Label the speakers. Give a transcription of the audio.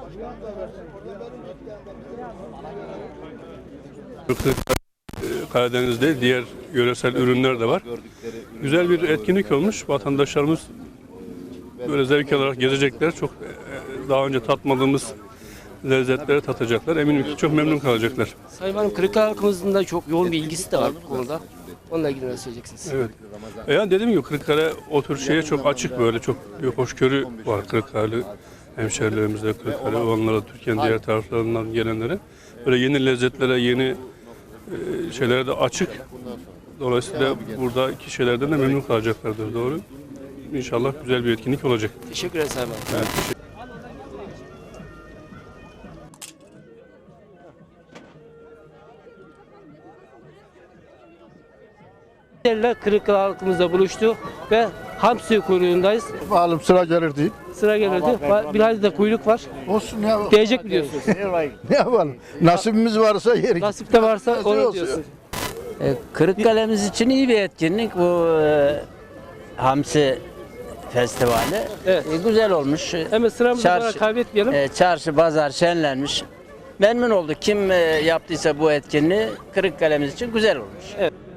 Speaker 1: Karadeniz'de diğer yöresel ürünler de var. Güzel bir etkinlik olmuş. Vatandaşlarımız böyle zevk alarak gezecekler. Çok daha önce tatmadığımız lezzetleri tatacaklar. Eminim ki çok memnun kalacaklar.
Speaker 2: Sayın Valim, Kırıkkale halkımızın da çok yoğun bir ilgisi de var bu konuda. Onunla ilgili ne söyleyeceksiniz?
Speaker 1: Evet. Yani dediğim gibi Kırıkkale o tür şeye çok açık, böyle çok bir hoşgörü var Kırıkkale hemşerilerimizde, Kırıkkale olanlara, Türkiye'nin diğer taraflarından gelenlere. Böyle yeni lezzetlere, yeni şeylere de açık. Dolayısıyla buradaki şeylerden de memnun kalacaklardır, doğru. İnşallah güzel bir etkinlik olacak.
Speaker 2: Teşekkür ederim Sayın Valim.
Speaker 1: Evet.
Speaker 2: Kırıkkale halkımızla buluştu ve hamsi kuyruğundayız.
Speaker 3: Malum sıra gelir değil.
Speaker 2: Sıra gelirdi. Biraz da kuyruk var.
Speaker 3: Olsun ya.
Speaker 2: Değecek mi diyorsunuz?
Speaker 3: Ne yapalım? Nasibimiz varsa yerik.
Speaker 2: Nasipte varsa
Speaker 3: Nasıl
Speaker 2: onu
Speaker 3: olsun?
Speaker 2: diyorsun.
Speaker 4: Kırıkkale'miz için iyi bir etkinlik bu Hamsi Festivali.
Speaker 2: Evet.
Speaker 4: Güzel olmuş.
Speaker 2: Hemen sıramızı
Speaker 4: Çarşı-
Speaker 2: kaybetmeyelim.
Speaker 4: Çarşı, pazar şenlenmiş. Memnun olduk. Kim yaptıysa bu etkinliği Kırıkkale'miz için güzel olmuş.
Speaker 2: Evet.